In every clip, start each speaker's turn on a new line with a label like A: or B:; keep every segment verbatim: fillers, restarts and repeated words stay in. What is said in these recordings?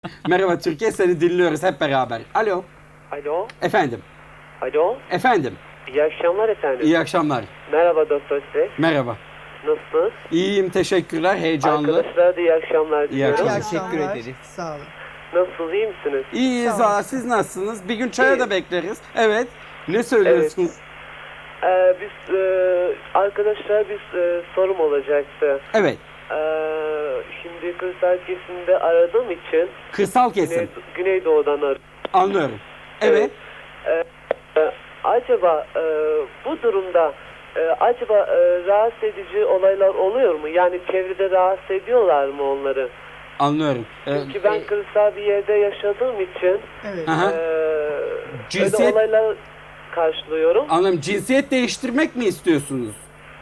A: Merhaba Türkiye, seni dinliyoruz hep beraber. Alo.
B: Alo.
A: Efendim.
B: Alo.
A: Efendim.
B: İyi akşamlar efendim.
A: İyi akşamlar.
B: Merhaba Doktor Ses.
A: Merhaba.
B: Nasılsınız?
A: İyiyim, teşekkürler. Heyecanlı.
B: Arkadaşlara da iyi akşamlar diliyorum.
A: akşamlar.
C: Teşekkür
D: akşamlar.
C: ederiz.
D: Sağ olun.
B: Nasılsınız? İyi misiniz?
A: İyiyiz.
D: Sağ olun.
A: Aa, siz nasılsınız? Bir gün çaya
B: İyi.
A: da bekleriz. Evet. Ne söylüyorsunuz?
B: Ee, biz e, arkadaşlara bir e, sorum olacaktı.
A: Evet.
B: Ee, şimdi kırsal kesimde aradığım için
A: Kırsal kesim.
B: Güney, Güneydoğu'dan arıyorum.
A: Anlıyorum. Evet.
B: Ee, e, acaba e, bu durumda e, acaba e, rahatsız edici olaylar oluyor mu? Yani çevrede rahatsız ediyorlar mı onları?
A: Anlıyorum. Ee,
B: Çünkü ben kırsal bir yerde yaşadığım için
D: Evet.
A: Aha.
B: e,
A: Cinsiyet-
B: öyle olaylar karşılıyorum.
A: Anladım. Cinsiyet değiştirmek mi istiyorsunuz?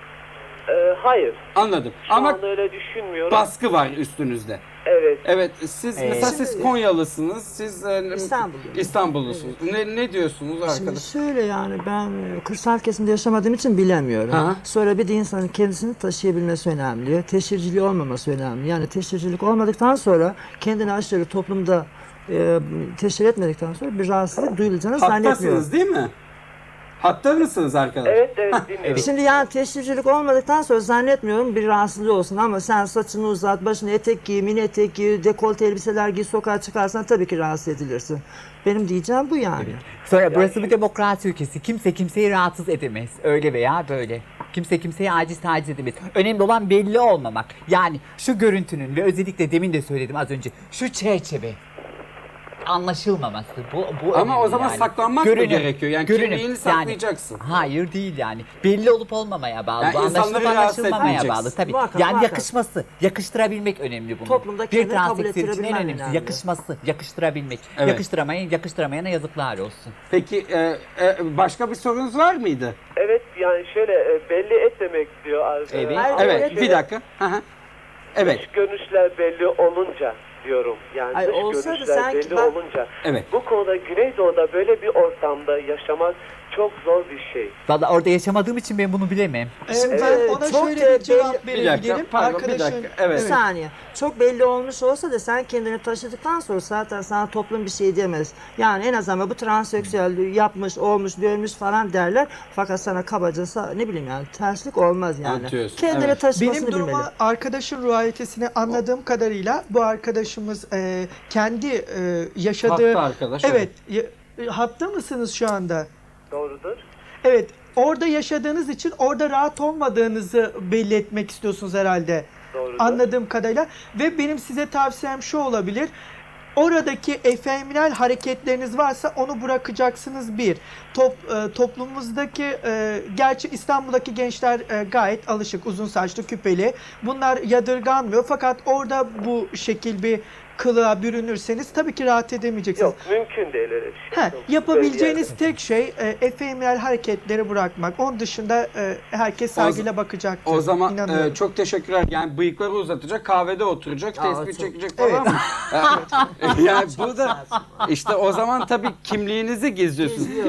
B: E, hayır.
A: Anladım.
B: Şu
A: Ama
B: anda öyle düşünmüyorum.
A: baskı var üstünüzde.
B: Evet.
A: Evet. Siz
C: Evet.
A: mesela siz Konyalısınız. Siz e,
E: İstanbulluyum.
A: İstanbullusunuz. Ne ne diyorsunuz
E: Şimdi
A: arkadaş?
E: şöyle yani ben e, kırsal kesimde yaşamadığım için bilemiyorum.
A: Hı hı.
E: Sonra bir de insanın kendisini taşıyabilmesi önemli. Teşhirciliği olmaması önemli. Yani teşhircilik olmadıktan sonra kendini aşırı toplumda e, teşhir etmedikten sonra bir rahatsızlık duyulacağını zannetmiyorum.
A: Hattasınız değil mi? Hatta mısınız arkadaş?
B: Evet, evet dinliyorum.
E: Şimdi yani teşhircilik olmadıktan sonra zannetmiyorum bir rahatsızlığı olsun ama sen saçını uzat, başını etek giy, mini etek giy, dekolte elbiseler giy, sokağa çıkarsan tabii ki rahatsız edilirsin. Benim diyeceğim bu yani.
C: Sonra burası bir demokrasi ülkesi. Kimse kimseyi rahatsız edemez. Öyle veya böyle. Kimse kimseyi aciz taciz edemez. Önemli olan belli olmamak. Yani şu görüntünün ve özellikle demin de söyledim az önce. Şu çerçeve. Anlaşılmaması. Bu, bu
A: Ama o
C: önemli
A: zaman
C: yani.
A: saklanmak mı
C: Görünüm,
A: gerekiyor? Yani
C: görünüm.
A: kimliğini saklayacaksın.
C: Hayır değil yani. Belli olup olmamaya bağlı.
A: Yani
C: Bu
A: insanları
C: anlaşılıp
A: rahatsız
C: anlaşılmamaya
A: etmeyeceksin.
C: bağlı. Tabii.
E: Muhakkak,
C: yani
E: muhakkak.
C: yakışması. Yakıştırabilmek önemli bunun.
E: Toplumda
C: bir
E: kendini kabul
C: transseksüel için en
E: ettirebilmen
C: önemlisi
E: önemli.
C: yakışması. Yakıştırabilmek.
A: Evet.
C: Yakıştıramayın, yakıştıramayana yazıklar olsun.
A: Peki e, e, başka bir sorunuz var mıydı?
B: Evet yani şöyle e, belli etmemek diyor. ar-
C: Evet.
B: e,
E: Hayır,
B: ama
A: Evet,
E: evet.
A: bir dakika. Hı hı. Evet,
B: Dış görünüşler belli olunca diyorum. Yani
E: Ay,
B: dış
E: olsa da
B: görünüşler
E: sanki
B: belli
E: ben-
B: olunca.
A: evet.
B: Bu konuda Güneydoğu'da böyle bir ortamda yaşamak çok zor bir şey.
C: Valla orada yaşamadığım için ben bunu bilemem.
D: Şimdi
E: Evet,
D: ben ona
E: çok
D: şöyle
E: da
D: bir cevap
E: belli-
A: Bir dakika,
D: verebilirim.
A: pardon, bir
D: Arkadaşın
A: dakika. Evet.
E: Bir saniye. Çok belli olmuş olsa da sen kendini taşıdıktan sonra zaten sana toplum bir şey diyemez. Yani en azından bu transseksüel yapmış, olmuş, görmüş falan derler. Fakat sana kabaca sa- ne bileyim yani terslik olmaz yani.
A: Anlatıyorsun,
E: Kendini
A: evet.
E: taşımasını
D: Benim
E: bilmeli.
D: duruma arkadaşın ruhiyetini anladığım kadarıyla bu arkadaşımız e, kendi e, yaşadığı...
A: Hatta arkadaş.
D: Evet. ya- hatta mısınız şu anda?
B: Doğrudur.
D: Evet. Orada yaşadığınız için orada rahat olmadığınızı belli etmek istiyorsunuz herhalde.
B: Doğrudur.
D: Anladığım kadarıyla. Ve benim size tavsiyem şu olabilir. Oradaki efeminal hareketleriniz varsa onu bırakacaksınız bir. Top, e, toplumumuzdaki, e, gerçi İstanbul'daki gençler e, gayet alışık, uzun saçlı, küpeli. Bunlar yadırganmıyor. Fakat orada bu şekil bir kılığa bürünürseniz tabii ki rahat edemeyeceksiniz.
B: Yok mümkün değil öyle bir şey.
D: He,
B: Çok
D: yapabileceğiniz
B: güzel bir
D: tek şey e, efeminal hareketleri bırakmak. Onun dışında e, herkes saygıyla bakacaktır.
A: O zaman
D: İnanıyorum.
A: e, çok teşekkürler. Yani bıyıkları uzatacak, kahvede oturacak,
E: Aa,
A: tespih
E: çok-
A: çekecek falan mı? Yani bu da işte o zaman tabii kimliğinizi gizliyorsunuz.